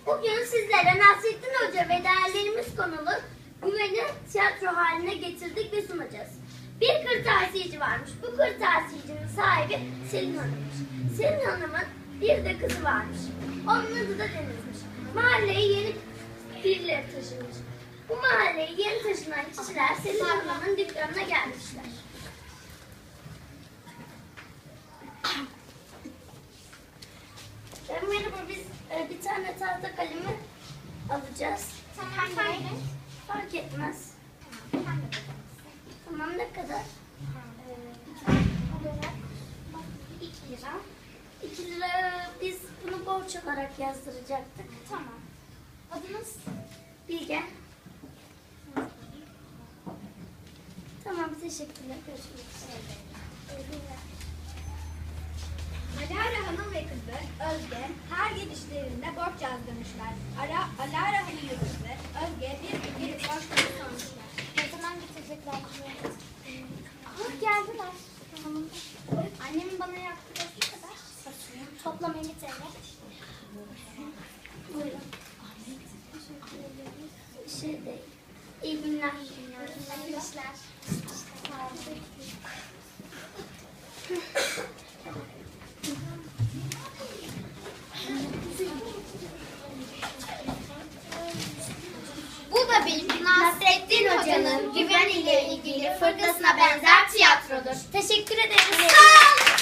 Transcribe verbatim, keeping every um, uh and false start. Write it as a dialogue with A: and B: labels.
A: Bugün sizlere Nasrettin Hoca ve değerlerimiz konulu güveni tiyatro haline getirdik ve sunacağız. Bir kırtasiyeci varmış. Bu kırtasiyecinin sahibi Selin Hanım'mış. Selin Hanım'ın bir de kızı varmış. Onun adı da Deniz'miş. Mahalleye yeni birileri taşınmış. Bu mahalleye yeni taşınan kişiler Selin Hanım'ın dükkanına gelmişler. Merhaba, biz e, bir tane tahta kalemi alacağız.
B: Tamam, hangi renk?
A: Fark etmez.
B: Tamam,
A: Tamam, ne kadar?
B: olarak iki lira.
A: iki lira, biz bunu borç olarak yazdıracaktık.
B: Tamam. Adınız?
A: Bilge. Tamam, teşekkürler. Görüşmek üzere.
C: Alara Hanım ve kızı Özge her gelişlerinde borç yazdırmışlar. Ara, Alara Hanım ve kızı Özge bir gün gelip borçlarını sormuşlar.
B: Ne zaman getirecekler? Ah, geldiler. Annemin bana yaptığı ne kadar? Toplam elli T L.
A: Buyurun. Bir şey değil. İyi günler.
B: İyi işler. Sağ olun.
C: Bu da bir Nasrettin Hoca'nın güven ile ilgili fırkasına benzer tiyatrodur.
A: Teşekkür ederiz.
C: Sağ olun.